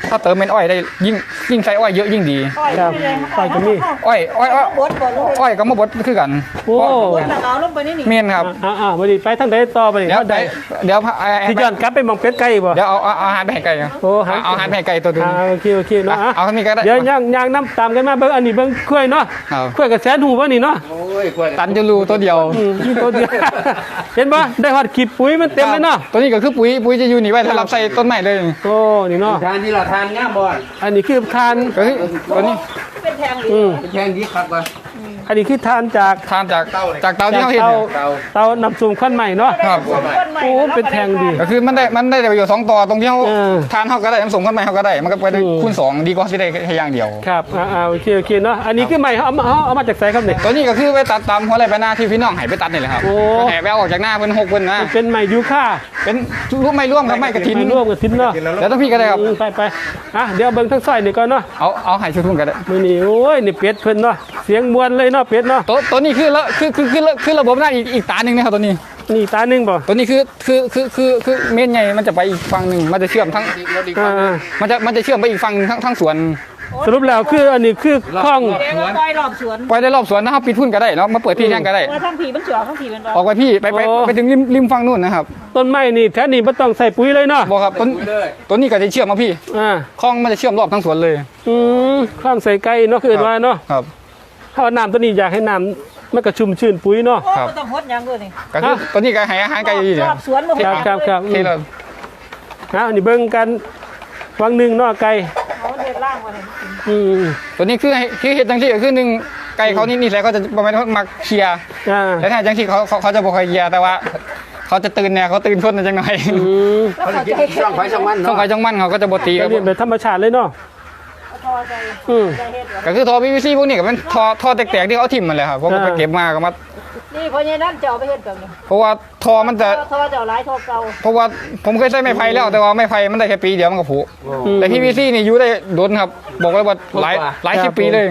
Speaker 2: ถ้าเติมเป็นอ้อยได้ยิ่งใส่อ้อยเยอะยิ่งดี
Speaker 1: ครับไปก็มี
Speaker 2: อ้อย
Speaker 5: บดบ่ลูก
Speaker 2: อ้อยก็มาบดคือกัน
Speaker 1: โอ้
Speaker 5: บดเอาลงไปนี่นี่
Speaker 2: เมียนครับ
Speaker 1: วันนี้ไปทางใดต่อไปนี่
Speaker 2: เดี๋ยว
Speaker 1: เขาได้
Speaker 2: เดี๋ยว
Speaker 1: ที่ย้อนกลับไปหมองเป็ดไก่บ่
Speaker 2: เดี๋ยวเอาอาหารไปให้ไก่
Speaker 1: โอ้หา
Speaker 2: เอาอาหารไปให้ไก่ตัวนึง
Speaker 1: โอเคเนาะ
Speaker 2: เอาคนนี้ก็ได้
Speaker 1: เดี๋ยวย่างน้ำตามกันมาเบิ่งอันนี้เบิ่งกล้วยเนาะ
Speaker 2: ครับ
Speaker 1: กล้วยกับแสนหูบ่นี่เนาะ
Speaker 3: โอ้ยกล้วย
Speaker 2: ตันจะรูตัวเดียว
Speaker 1: มีตัวเดียว เห็นบ่ได้ฮอดขีดปุ๋ยมันเต็มเลยเนาะ
Speaker 2: ตัวนี้ก็คือปุ๋ยจะอยู่นี่ไว้สำหรับใส่ต้นไม้เลย
Speaker 1: โอ้นี่เนาะ
Speaker 3: ทานที่เราทานง่ามบ่อน
Speaker 1: อันนี้คือทาน
Speaker 2: ก็คือตัวนี้
Speaker 5: เป็นแทงดี
Speaker 3: แพงดีครับว่ะ
Speaker 1: อันนี้คือทานจาก
Speaker 2: ทานจากเตาที่เขาเห็น
Speaker 1: เตานำสูงควันใหม่เนาะ
Speaker 2: ครับ
Speaker 1: โอ้เป็นแทงดี
Speaker 2: ก็คือมันได้ประโยชน์2ต่อตรงที่เขา
Speaker 1: เออ
Speaker 2: ทานเขาก็ได้น้ำส่งขึ้นมาเขาก็ได้มันก็ไปได้คูณ2ดีกว่าที่ได้แค่อย่างเดียว
Speaker 1: ครับโอเคเนาะอันนี้คือใหม่เอามาจากไสครับเนี่ย
Speaker 2: ตัวนี้ก็คือไปตัดตามหัวไรไปหน้าที่พี่น้องให้ไปตัดนี่แหละครับ
Speaker 1: โอ้
Speaker 2: แห่ไปเอาออกจากหน้าเพิ่น6เพิ่นนะ
Speaker 1: มันเป็นใหม่ยูค่า
Speaker 2: เป็นร่วมไม่ร่วมครับไม่กระถิน
Speaker 1: ไม่ร่วมกับทิ้นเนาะ
Speaker 2: แล้วต้องพี่ก็ได้ครับ
Speaker 1: ไปเดี๋ยวเบิ่งทั้งซอยนี่ก่อนเนาะ
Speaker 2: เอาให้ชุดทุ่งก็ได้
Speaker 1: มื้อนี้โอ้ยนี่เป็ดเพิ่นเนาะเสียงมวนเลยเนาะเป็ดเนาะ
Speaker 2: ตัวนี้คือระบบหน้าอีกตาหนึ่งนะครับตัวนี้
Speaker 1: นี่ตาหนึงบ่
Speaker 2: ตัวนี้คือเมนใหญ่มันจะไปอีกฝั่งหนึ่งมันจะเชื่อมทั้ง
Speaker 1: อ่า
Speaker 2: มันจะเชื่อมไปอีกฝั่งทั้งสวน
Speaker 1: สรุปแล้วคืออันนี้คือคล้อง
Speaker 5: เดี๋ยวปล่อยรอบสวน
Speaker 2: ไปได้รอบสวนนะครับปิดพุ่นก็ได้แล้วมาเปิดที่แจ้งก็ได้
Speaker 5: ว่าทั้งผีมันเสือทั้งผีมัน
Speaker 2: ออกไปพี่ไปถึงริมฝั่งนู่นนะครับ
Speaker 1: ต้นไม้นี่แท้นี่บ่ต้องใส่ปุ๋ยเลยเนาะ
Speaker 2: บอกครับตัวนี้ก็จะเชื่อมมาพี่
Speaker 1: อ่า
Speaker 2: คลองมันจะเชื่อมรอบทั้งสวนเลย
Speaker 1: คล้องใส่ไก่เนาะคือว่าเนาะ
Speaker 2: ครับ
Speaker 1: ถ้าเอาน้ำตัวนี้อยากให้น้ำมันก็ชุ่มชื่นปุ๋ยเนาะ
Speaker 5: โอ้ต้องหดยังเลยนี่
Speaker 2: ก็คือตัวนี้ก็ให้อาหารไก่ดี
Speaker 5: ร
Speaker 2: เนี่ย
Speaker 5: อบสวนมา
Speaker 1: ครับ
Speaker 2: ที่เรา
Speaker 1: นี่เบิ่งกันวังหนึงเนาะไก่
Speaker 5: เอาเด็ดล่างมาเลย
Speaker 2: ตัวนี้คือเห็ดจังที่ก็คือหนึ่งไก่เขานี่แหละก็จะประมาณมักเคลียร์
Speaker 1: อ่า
Speaker 2: แล้วถ้าจังที่เขาจะบอกใครเคลียร์แต่ว่าเขาจะตื่นเนี่ยเขาตื่นคนจังหน่อย
Speaker 3: เขาจะกินช่องไฟช่องมัน
Speaker 2: ช่อง
Speaker 3: เนาะ
Speaker 2: ไฟช่องมันเขาก็จะบตี
Speaker 1: ก็เรียนแบบธรรมชาติเลยเนาะ
Speaker 5: ทอใจใจเฮ็ด
Speaker 2: ก็คือทอ PVC พวกนี้ก็เป็นทอแตกๆที่เขาทิ่มมันเลยครับผมก็ไปเก็บมาก็มา
Speaker 5: นี่เพราะงี้นั่นจะเอาไปเฮ็ดแบบนี้
Speaker 2: เพราะว่าทอมันจะ
Speaker 5: ทอจะเอาหลายทอเก่า
Speaker 2: เพราะว่าผมเคยใช้ไม้ไผ่แล้วแต่ว่าไม้ไผ่มันได้แค่ปีเดียวมันก็ผุแต่ PVC นี่อยู่ได้โดนครับบอกเลยว่าหลายสิบปีเลย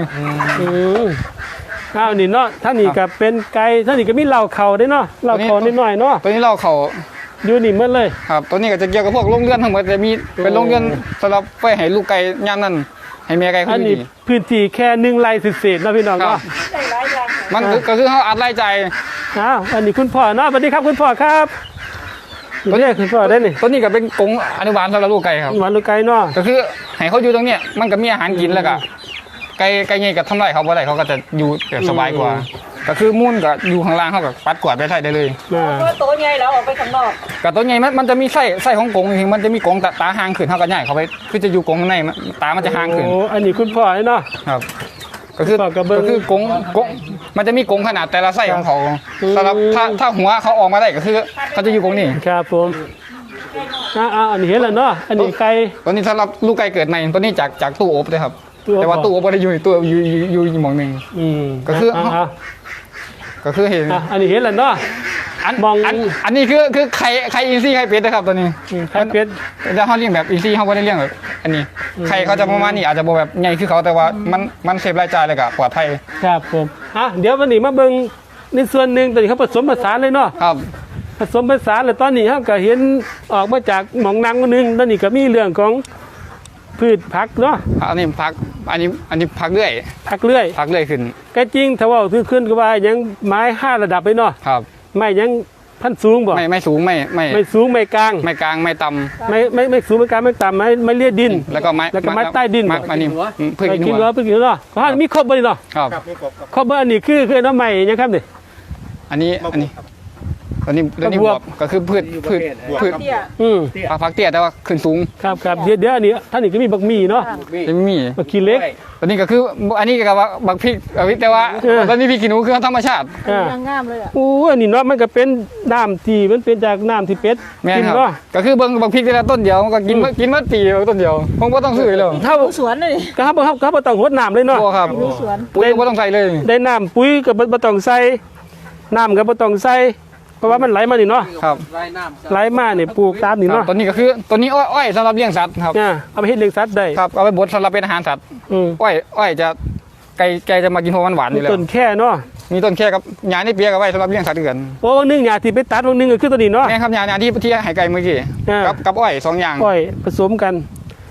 Speaker 1: นี่เนาะท่านนี่ก็เป็นไก่ท่านนี่ก็มีเหล่าเขาได้เนาะเหล่าเขานิดหน่อยเนาะ
Speaker 2: ตัวนี้เราเขา
Speaker 1: อยู่นี่หมดเลย
Speaker 2: ครับตัวนี้ก็จะเกี่ยวกับพวกโรงเรือนทั้งหมดจะมีเป็นโรงเรือนสำหรับไปให้ลูกไก่ย่ามนั่นให้แม่ไก่
Speaker 1: อั
Speaker 2: เขา
Speaker 1: น
Speaker 2: อยู่
Speaker 1: นี้
Speaker 2: ดี
Speaker 1: พื้นที่แค่1 ไร่เศษๆเนาะพี่น้อง
Speaker 2: ครั
Speaker 1: เนาะ
Speaker 2: บ
Speaker 5: ได้หลายอย่าง
Speaker 2: มันก็คือเขาอัดรายจ่าย
Speaker 1: อันนี้คุณพ่อเนาะสวัสดีครับคุณพ่อครับนี่คุณพ่อได้นี่
Speaker 2: ตัวนี้ก็เป็นกรงอนุบาลสำหรับลูกไก่ครับ
Speaker 1: หวานลูกไก่เนาะ
Speaker 2: ก็คือให้เขาอยู่ตรงเนี้ยมันก็มีอาหารกินแล้วก็ไก่เงี้ยกับทำไรเขาบ่ได้เขาก็จะอยู่แบบสบายกว่า ก็คือมุ่นกับอยู่ข้างล่างเขากับปัดกวาดไปใส่ได้เลย
Speaker 5: ก็โตใหญ่แล้วออกไปข้างนอก
Speaker 2: กับตัวใหญ่มันจะมีไส้ของกรงจริงๆมันจะมีกรงตาห่างขึ้นเขาก็ใหญ่เขาไปคือจะอยู่กรงข้างในตามันจะห่างขึ้น
Speaker 1: โอ้อันนี้คุณพ่อเนาะ
Speaker 2: ครับก็คือ
Speaker 1: ฝากกระเบื้อง
Speaker 2: ก็คือกรงมันจะมีกรงขนาดแต่ละไส้ของเขาสำหรับถ้าหัวเขาออกมาได้ก็คือเขาจะอยู่กรงนี้
Speaker 1: ครับผมอันนี้เห็นแล้วเนาะอันนี้ไก่
Speaker 2: ตัวนี้สำหรับลูกไก่เกิดใหม่ตัวนี้จากตู้อบเลยครับ
Speaker 1: ตู้อบ
Speaker 2: แต่ว่าตู้อบไม่ได้อยู่ในตู้อยู่หมองหนึ่ง ก็คือ ก็คือเห็น
Speaker 1: อันนี้เห็นแล้วเนาะ มอง
Speaker 2: อันนี้คือไข่อินซี่ไข่เป็ดนะครับตัวนี้
Speaker 1: ไข่เป็ด
Speaker 2: แล้วเขาเลี้ยงแบบอินซี่เขาไม่ได้เลี้ยงแบบอันนี้ไข่เขาจะประมาณนี้อาจจะบ่แบบใหญ่คือเขาแต่ว่ามันเซฟรายจ่ายเลยกับปลอดภัย
Speaker 1: ครับผมเดี๋ยววันนี้มาเบิ่งในส่วนหนึ่งตอนนี้เขาผสมผสานเลยเนาะ
Speaker 2: ครับ
Speaker 1: ผสมผสานแล้วตอนนี้เขาก็เห็นออกมาจากหมองนางคนหนึงตอนนี้ก็มีเรื่องของพืชผักเนาะ
Speaker 2: อันนี้พักอันนี้พักเรื่อย
Speaker 1: ผักเลื่อย
Speaker 2: พักเรื่อยขึ้น
Speaker 1: ก็จริงถ้าว่าคือขึ้นก็ว่ายังไม้5 ระดับไปเนาะ
Speaker 2: ครับ
Speaker 1: ไม่ยังพันสูงบ่
Speaker 2: ไม่สูงไม่
Speaker 1: ไม่สูงไม่กลาง
Speaker 2: ไม่กลางไม่ต่
Speaker 1: ไม่สูงไม่กลางไม่ต่ำไม่เลียดิน
Speaker 2: ำแล้วก็ไม้
Speaker 1: แล้วก็ไม้ใต้ดิน
Speaker 2: ไม้นี่เพื่อ
Speaker 1: ไม่
Speaker 2: กิน
Speaker 1: กิน
Speaker 2: หัว
Speaker 1: เพื่อกินเนาะเพราะมีครบบ่นี่เนาะ
Speaker 2: ครับ
Speaker 4: ครับมีกบครับ
Speaker 1: ครบบ่อันนี้คือน้ำใหม่ยังครับนี่
Speaker 2: อันนี้
Speaker 4: มะบวบครับ
Speaker 2: อันนี้
Speaker 1: มะ
Speaker 2: บบ ว
Speaker 1: ว
Speaker 2: บบ ก็คือพืช
Speaker 4: บวบ
Speaker 2: พืช
Speaker 4: ครับ
Speaker 5: เตี้ย
Speaker 2: พักเตี้ยแต่ว่าขึ้นสูง
Speaker 1: ครับเดี๋ยวอันนี้ท่านนี่ก็มีบักหมี่เนาะ
Speaker 2: จะไม่มี
Speaker 1: บักขี้เล็ก
Speaker 2: ตัวนี้ก็คืออันนี้ก็ว่าบักพริกแต่ว่า
Speaker 1: เออ
Speaker 2: ตอนนี้พริกขี้หนูคือธรรมชาติ
Speaker 5: งามเลยอ่ะ
Speaker 1: อู้อันนี้เนาะมันก็เป็นน้ำที่มันเป็นจากน้ำที่เป็ด
Speaker 2: แม่น
Speaker 1: กิน
Speaker 2: ครับ
Speaker 1: เนาะ
Speaker 2: ก็คือเบิ่งบักพริกแต่ละต้นเดียวมันก็กินเมื่อปีต้นเดียวผมก็ต้องซื้อเลย
Speaker 1: ถ้า
Speaker 5: สวนเลย
Speaker 1: ก็ครับบ่ต้องหดน้ำเลยเนาะ
Speaker 2: โอ้ครับ
Speaker 5: ดูสวน
Speaker 2: ปุ๋ยก็ต้องใส่เลย
Speaker 1: ได้น้ำปุ๋ยก็บ่ต้องใส่น้ำก็บ่ต้องใส่เพราะว่ามันไหลมานี่เนาะ
Speaker 2: ครับ
Speaker 3: ไร่น้ำ
Speaker 1: ไหลมานี่ปลูกตามนี่
Speaker 2: ครับ
Speaker 1: เนาะ
Speaker 2: ตัวนี้ก็คือตัวนี้อ้อยสำหรับเลี้ยงสัตว์ครับ
Speaker 1: เอาไปเฮ็ดเลี้ยงสัตว์ได้
Speaker 2: ครับเอาไปบดสำหรับเป็นอาหารสัตว์
Speaker 1: อืม
Speaker 2: อ้อยจะไก่จะมากินเพราะมันหวานอยู่แล้ว
Speaker 1: ต้นแค่เนาะ
Speaker 2: มีต้นแค่กับหญ้าในเปียกเอาไว้สำหรับเลี้ยงสัตว์ด้วยกัน
Speaker 1: โอ้วันนึงหญ้าที่ไปตัดวันนึงก็คือตัวนี้เนาะ
Speaker 2: แม่ครับหญ้าที่ให้ไก่เมื่อกี้
Speaker 1: อ่า
Speaker 2: กับอ้อย2อย่าง
Speaker 1: ปล่อยผสมกัน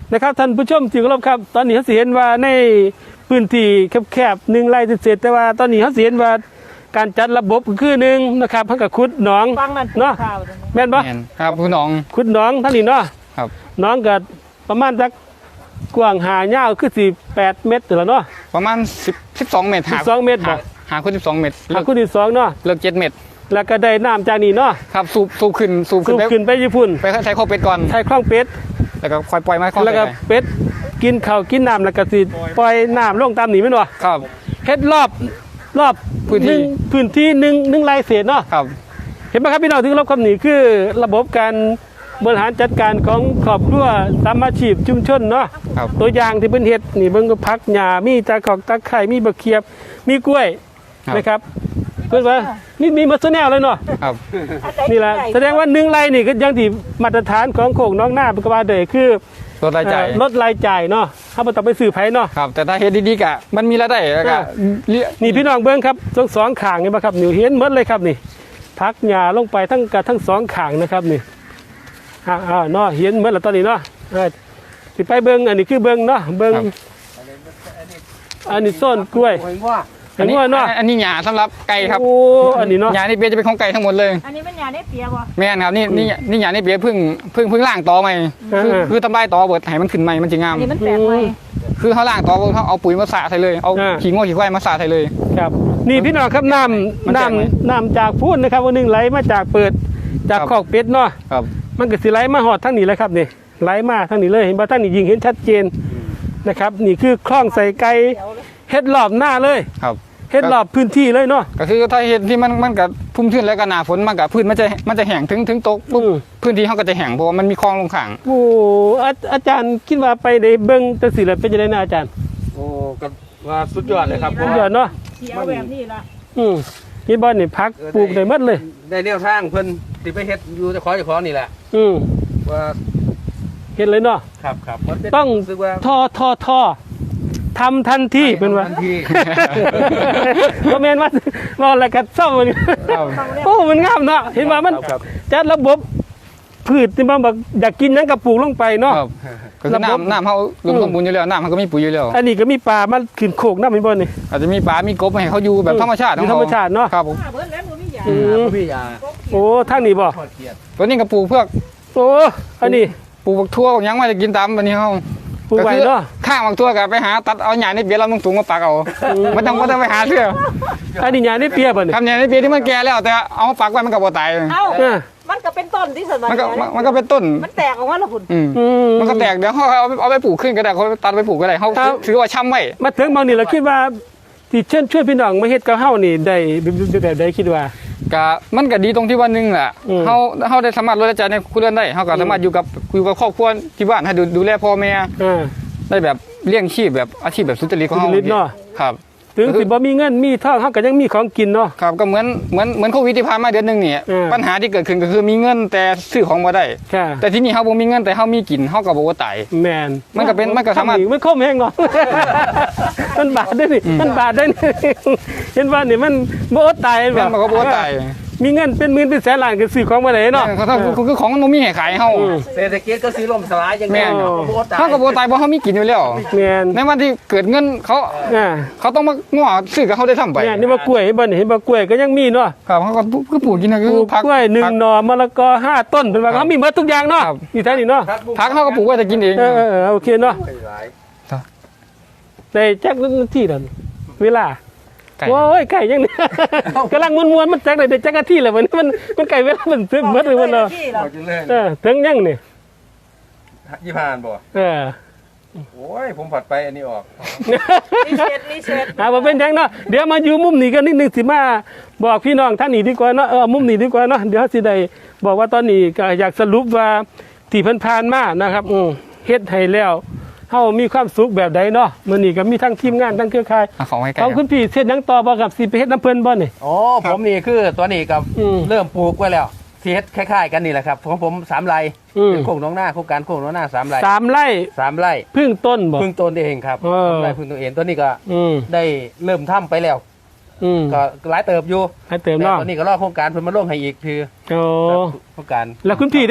Speaker 1: นะครับท่านผู้ชมที่เคารพครับ ตอนนี้เขาสิเห็นว่าในพื้นที่แคบๆ1 ไร่เศษๆแต่ว่าตอนนี้เขาสิเห็นว่าการจัดระบบก็คือหนึ่งนะครับเพิ่นก็ขุดหนอง
Speaker 5: ฟังนั่น
Speaker 1: เนาะ
Speaker 5: ข่าวตรงนี้
Speaker 1: แม่นบ่
Speaker 2: แม่นครับคุณน้อง
Speaker 1: ขุดหนองทั้งนี้เนาะ
Speaker 2: ครับ
Speaker 1: หนองก็ประมาณสักกว้างหายาวคือ8 เมตรแล้วเนาะ
Speaker 2: ประมาณ10 12 เมตร
Speaker 1: 12 เมตรบ่
Speaker 2: หาคุณ12 เมตร
Speaker 1: หาคุณที่2เนาะ
Speaker 2: เลิก7 เมตร
Speaker 1: แล้วก็ได้น้ำจากนี่เนาะ
Speaker 2: ครับสูบขึ้น
Speaker 1: สูบ
Speaker 2: ไป
Speaker 1: ขึ้นไปญี่ปุ่น
Speaker 2: ไปใช้ข้อเป็ดก่อน
Speaker 1: ใช้คลองเป็ด
Speaker 2: แล้วก็ค่อยปล่อยไม้ข้อ
Speaker 1: แล้วก็
Speaker 2: ไป
Speaker 1: เป็ดกินข้าวกินน้ำแล้วก็สิปล่อยน้ำลงตามนี่แม่นบ่
Speaker 2: ครับ
Speaker 1: เฮ็ดรอบ
Speaker 2: พื้นที่
Speaker 1: พื้นที่หนึ่งไร่เศษเนาะ
Speaker 2: ครับ
Speaker 1: เห็นไหมครับพี่น้องที่รับคำนี้คือระบบการบริหารจัดการของครอบครัวสามัคคีชุมชนเนาะ
Speaker 2: ครับ
Speaker 1: ตัวอย่างที่เป็นเฮ็ดนี่เบิ่งก็พักหญ้ามีตะกอกตะไคร้มีบะเขียบมีกล้วยนะครับเพิ่นว่ามีหมดซุแนวเลยเนาะ
Speaker 2: ครับ
Speaker 1: นี่แหละแสดงว่า1 ไร่นี่ก็อยังที่มาตรฐานของโคกน้องนาเป็นก็ว่าได้คือ
Speaker 2: ลดรายจ่าย
Speaker 1: ลดรายจ่ายเนาะเฮาบ่ต้องไปซื้อไผเนาะ
Speaker 2: ครับ แต่ถ้าเฮ็ดดีๆกะมันมีรายได้แล้วก็เลี้ย
Speaker 1: นี่พี่น้องเบิ่งครับทั้งสองข้างนี่บ่ครับนี่เห็นหมดเลยครับนี่พักหญ้าลงไปทั้งสองข้างนะครับนี่เนาะเห็นหมดแล้วตอนนี้เนาะสิไปเบิ่งอันนี้คือเบิ่งเนาะเบิ่งอันนี้ส้นกล้วย
Speaker 3: เห็นว่า
Speaker 1: เห็นว่าเนาะ
Speaker 2: อันนี้หญ้าสำหรับไก่ครับ
Speaker 1: โอ้อันนี้เนาะ
Speaker 2: หญ้านี่เปียจะเป็นของไก่ทั้งหมดเลย
Speaker 5: อันนี้มันยาได้เปียบ่
Speaker 2: แม่นครับนี่หญ้านี่เปียเพิ่งล่างตอใหม่คือทำลายตอเบิดให้มันขึ้นใหม่มันจะงาม
Speaker 5: อันนี้มันแปลกไหม
Speaker 2: คือเขาล่างตอเบิดเขาเอาปุ๋ยมาสาดใส่เลยเอาขี้ง้อขี้ควายมาสาดใส่เลย
Speaker 1: ครับนี่พี่น้องครับน้ำจากพูนนะครับวันหนึงไหลมาจากเปิดจากคอกเป็ดเนาะ
Speaker 2: ครับ
Speaker 1: มันก็สิไหลมาหอดทั้งนี้เลยครับนี่ไหลมาทั้งนี้เลยเห็นบ่ทั้งนี้ยิงเห็นชัดเจนนะครับนี่คือคลองใส่ไก่เฮ็ดรอบหน้าเลย
Speaker 2: ครับ
Speaker 1: เฮ็ดรอบพื้นที่เลยเนาะ
Speaker 2: ก็คือถ้าเห็ดที่มันกับพุ่มชื้นแล้วก็หนาฝนมันกับพื้นมันจะแห้งถึงตกปุ๊บพื้นที่เขาก็จะแห้งเพราะว่ามันมีคลองลงข้าง
Speaker 1: โอ้อาจารย์คิดว่าไปได้เบิ่งจังซี่แล้วเป็นจังได๋นะอาจารย์
Speaker 3: โอ้ก็ว่าสุดยอดเลยครับ
Speaker 1: สุดยอดเนาะ
Speaker 5: เขียวแบบนี้ล่ะ
Speaker 1: นี่บ่นี่พักปลูกได้หมดเลย
Speaker 3: ได้แนวทางเพิ่นสิไปเฮ็ดอยู่เจ้าของนี่แหละ ว่า
Speaker 1: เฮ็ดเลยเนาะ
Speaker 3: ครับมันเป็น
Speaker 1: ต้อง
Speaker 3: รู้สึกว่า
Speaker 1: ท่อทำทันทีเป็นว่า
Speaker 3: ทันที
Speaker 1: บ่แม่นว่าอะไรกันเศร้ามันโอ้มันงามเนาะเห็นว่ามัน
Speaker 3: ครับ
Speaker 1: จัดระบบพืชที่มันแบบอยากกินหยังก็ปลูกลงไปเนาะ
Speaker 2: ครับก็คือน้ำเขารวมสมบูรณ์อยู่แล้วน้ำเขาก็มีปุ๋ยอยู่แล้ว
Speaker 1: อันนี้ก็มีปลามันขึ้นโขกน้ำมันบ่นี่
Speaker 2: อาจจะมีปลา มีกบให้เขาอยู่แบบธรรมชาติ
Speaker 1: อยู่ธรรมชาติเนาะ
Speaker 2: ครับผม
Speaker 5: เบิดแล้วมันมียา
Speaker 3: พี่ยา
Speaker 1: โอ้ทางนี้บ่
Speaker 3: ทอดเกียรติ
Speaker 2: ตัวนี้ก็ปลูกเพื่อ
Speaker 1: โอ้อันนี้
Speaker 2: ปลูกบักทั่วบักหยังมาจะกินตามวันนี้เขา
Speaker 1: ปลูกไว้เนาะ
Speaker 2: ข้างบักทั่วก็ไปหาตัดเอาหญ้าในเปียเราสูงมาปักเอาไม่ต้องไปหาเสื้อ
Speaker 1: อันนี้หญ้านี่เปียบ่นี่
Speaker 2: ทำหญ้าในเปียที่มันแก่แล้วแต่เอามาปักไว้มันก็บ่ตาย
Speaker 5: เอ้า
Speaker 1: เออ
Speaker 5: มันก็เป็นต้นที่สมัย
Speaker 2: มันก็เป็นต้น
Speaker 5: มันแตกออกมาแล้วคุณ
Speaker 2: มันก็แตกเดี๋ยวเขาเอาไปปลูกขึ้นก็ได้เขาตัดไปปลูกก็ได้เขาถือว่าช้ำไว้
Speaker 1: มาถึงบางนี่เราคิดว่าที่เชิญช่วยพี่น้องมาเฮ็ดกับเฮานี่ได้แบบใดคิดว่า
Speaker 2: ก็มันก็ดีตรงที่ว่านึงแหละ
Speaker 1: อืม
Speaker 2: เขาได้สามารถลดรายจ่ายในครัวเรือนได้เขาก็สามารถอยู่กับครอบครัวที่บ้านให้ดูแลพ่อแม่ ได้แบบเลี้ยงชีพแบบอาชีพแบบสุจริตของเขา
Speaker 1: สุจริตเนาะ
Speaker 2: ครับ
Speaker 1: ถึงสิบ่มีเงินมีทองเฮาก็ยังมีของกินเนาะ
Speaker 2: ครับก็เหมือนโควิดที่ผ่านมาเดือนหนึงเนี่ย
Speaker 1: อืม
Speaker 2: ปัญหาที่เกิดขึ้นก็คือมีเงินแต่ซื้อของบ่ได้
Speaker 1: ค่ะ
Speaker 2: แต่ที่นี่เขาบ่มีเงินแต่เขามีกินเขาก็บ่ว่าตาย
Speaker 1: แม่น
Speaker 2: มันก็สามารถ
Speaker 1: มันคมแห้งเนาะ มันบาดได้นี่มันบาดได้นี่เห็นว่านี่มันบ่อดตาย
Speaker 2: แม่นบ่ก็บ่ว่าตาย
Speaker 1: มีเงินเป็นหมื่นเป็นแสนล้านก็ซื้อของบ่ได้เนาะ
Speaker 2: คือของมันบ่มีให้ขายเฮา
Speaker 3: เศรษฐกิจก็สิล่มสลายอย่าง
Speaker 2: แม่น
Speaker 3: เนาะบ่ตาย
Speaker 2: เขาก็บ่ตายเพราะเขามีกินอยู่แล้ว
Speaker 1: แม่น
Speaker 2: ในวันที่เกิดเงินเขา
Speaker 1: อ่า
Speaker 2: เขาต้องมาง้อซื้อกับเขาได้ทำไป
Speaker 1: แม่นนี่ว่ากล้วยเห็นบ่นี่เห็นบ่กล้วยก็ยังมีเนาะ
Speaker 2: ครับเขาก็คือปลูกกินนะ
Speaker 1: ป
Speaker 2: คือ
Speaker 1: ลูก
Speaker 2: ผัก
Speaker 1: กล้วย1หน่อมะละกอ5ต้นเป็นว่าเขามีหมดทุกอย่างเนาะ
Speaker 2: ครับ
Speaker 1: นี่ท่านี่เนาะ
Speaker 2: ผักเขาก็ปลูกไว้แต่กินเอง
Speaker 1: โอเคเนาะ
Speaker 3: หลาย
Speaker 1: ได้จักนาทีแล้วนี่เวลา
Speaker 2: ไก่
Speaker 1: โอ้ยไก่ยังนี่ กำลังมวนๆมันจักได้จักนาทีแล้วมันไก่เวลามันถึงหมดเลยมันเนาะ
Speaker 5: ที่เรา
Speaker 3: เอาจังเลย
Speaker 1: ถึงยังนี่
Speaker 3: ยี่ผ่านบ่ โอ้ยผมผัดไปอันนี้ออก
Speaker 5: รีเซ็ต
Speaker 1: บ่เป็นหยังเนาะเดี๋ยวมาอยู่มุมนี้กันนิดนึงสิมาบอกพี่น้องท่านนี้ดีกว่าเนาะมุมนี้ดีกว่าเนาะเดี๋ยวสิได้บอกว่าตอนนี้ก็อยากสรุปว่าที่ผ่านๆมานะครับเฮ็ดให้แล้วเฮามีความสุขแบบใดเนาะมื้อนี้ก็มีทั้งทีมงานทั้งเครือข่าย
Speaker 2: เอาของให้ไก่
Speaker 1: ของคุณพี่เฮ็ดหยังต่อบ่ครับสิไปเฮ็ดน้ำเพิ่นบ่นี่
Speaker 3: อ๋อผมนี่คือตัวนี้กับ
Speaker 1: อืม
Speaker 3: เริ่มปลูกไว้แล้วที่เฮ็ดคล้ายๆกันนี่แหละครับของผม3 ไร่
Speaker 1: อืม
Speaker 3: เป็นโคกน้องหน้าโครงการโคกน้องหน้า3 ไร่
Speaker 1: 3 ไร่
Speaker 3: 3 ไร่
Speaker 1: พึ่งต้นบ่
Speaker 3: พึ่งต้นเองครับ
Speaker 1: เออ
Speaker 3: 3 ไร่พึ่งต้นเองตัวนี้ก็
Speaker 1: อืม
Speaker 3: ได้เริ่มทำไปแล้ว
Speaker 1: อืม
Speaker 3: ก็หลายเติบอยู่
Speaker 1: ให้เติม
Speaker 3: แต่
Speaker 1: เนาะ
Speaker 3: ตอนนี้ก็รอโครงการเพิ่นมาลงให้อีกคือ
Speaker 1: โอ้
Speaker 3: โครงการ
Speaker 1: แล้วคุณพี่เด้
Speaker 3: ผ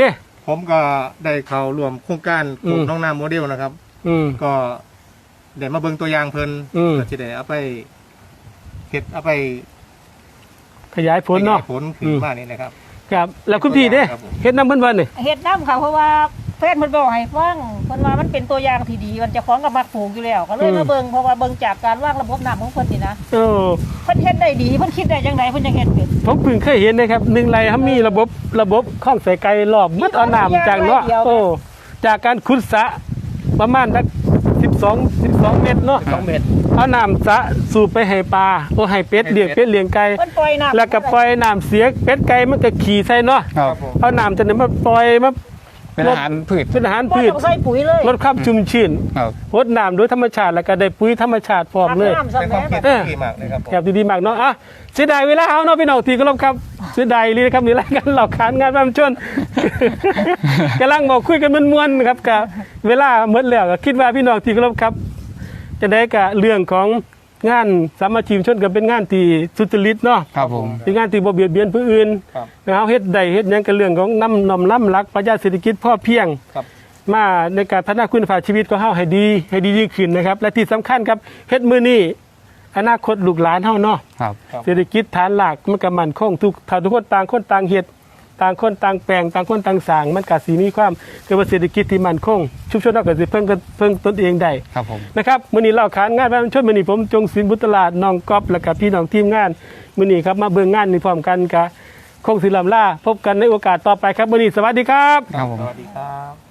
Speaker 4: ผมก็ได้เข้าร่วมโครงการปลูกน้องนาโมเดลนะครับ ก็ได้มาเบิ่งตัวอย่างเพิ่นก็สิได้เอาไปเฮ็ดเอาไป
Speaker 1: ขยายผลเนาะ
Speaker 4: ขยยผลขึ้นมานี่นะครับ
Speaker 1: ครับแล้วคุณพี่เด้
Speaker 4: ครับผม
Speaker 1: เฮ็ดน้ำเพิ่นว่านี่
Speaker 5: เฮ็ดน้ำค่ะเพราะว่าเพื่อนเพิ่นบอกให้ฟังเพิ่นว่ามันเป็นตัวอย่างที่ดีมันจะคล้องกับมักปลูกอยู่แล้วก็เลยมาเบิ่งเพราะว่าเบิ่งจากการวางระบบน้ำของเพิ่นนี่นะ
Speaker 1: โอ้
Speaker 5: เพิ่นเฮ็ดได้ดีเพิ่นคิดได้จังไดเพิ่นจังเฮ็ดเป็น
Speaker 1: ผมเพิ่งเคยเห็นนะครับ1ไร่เขามีระบบข้องใส่ไก่รอบหมดเอาน้ำจากเนาะโอ้จากการขุดสระประมาณสัก12 เมตรเนาะ
Speaker 3: 2 เมตร
Speaker 1: เอาน้ำสระสูบไปให้ปลาโอ้ให้เป็ดเลี้ยงเป็ดเลี้ยงไก่
Speaker 5: เพิ่นปล่อยน้ำ
Speaker 1: แล้วก็ปล่อยน้ำเสียเป็ดไก่มันก็ขี่ใส่เนาะ
Speaker 2: ครับ
Speaker 1: เอาน้ำจากนั้นมาปล่อยมา
Speaker 2: เป็นอาหารพืช
Speaker 1: เป็นอาหาร
Speaker 5: บ่
Speaker 1: พืช
Speaker 5: ต้องใส่ปุ๋ยเลย
Speaker 1: ลดความชุ่มชื้น
Speaker 2: ครับ
Speaker 1: รดน้ำโดยธรรมชาติแล้วก็ได้ปุ๋ยธรรมชาติพร้อมเลย
Speaker 5: น้ำ
Speaker 4: เป็นความ
Speaker 5: สำ
Speaker 4: คิด
Speaker 5: แม่
Speaker 4: ที่ดีมากเลยครับผม
Speaker 1: แบบดีๆมากเนาะอ่ะเสียดายเวลาเอาเนาะพี่น้องทีก็รบครับเสียดายเลยนะครับนี่รายการเหล่าขานงานบ้านชน กำลังบอกคุยกันม่วนๆครับกับเวลาหมดแล้วก็คิดว่าพี่น้องทีก็รบครับ จะได้กับเรื่องของงานสามัคคีชนกันเป็นงานที่สุจริตเนาะ
Speaker 2: ครับผม
Speaker 1: เป็นงานที่บ่เบียดเบียนผู้อื่น
Speaker 4: ครับ
Speaker 1: นะครับเฮ็ดใดเฮ็ดหยังกันเรื่องของน้ำนำล้ำรักปรัชญาเศรษฐกิจพ่อเพียง
Speaker 4: ครับ
Speaker 1: มาในการพัฒนาคุณภาพชีวิตของเฮาให้ดีขึ้นนะครับ และที่สำคัญครับเฮ็ดมื้อนี้อนาคตลูกหลานเฮาเนาะ
Speaker 2: ครับ
Speaker 1: เศรษฐกิจฐานหลักมันก็มั่นคงถ้าทุกคนต่างคนต่างเฮ็ดต่างคนต่างแปลงต่างคนต่างสร้างมันก็สิมีความเกิดว่าเศรษฐกิจที่มั่นคงชุมชนเราก็สิเพิ่งตนเองได้
Speaker 2: ครับผม
Speaker 1: นะครับมื้อนี้เราขานงานบ้านชนมื้อนี้ผมจงศิลป์บุตรลาดน้องก๊อฟและก็พี่น้องทีมงานมื้อนี้ครับมาเบิ่งงานนี้พร้อมกันกับคงศิลป์ลำลาพบกันในโอกาสต่อไปครับมื้อนี้สวัสดีครับ
Speaker 2: ครับผม
Speaker 4: สวัสดีครับ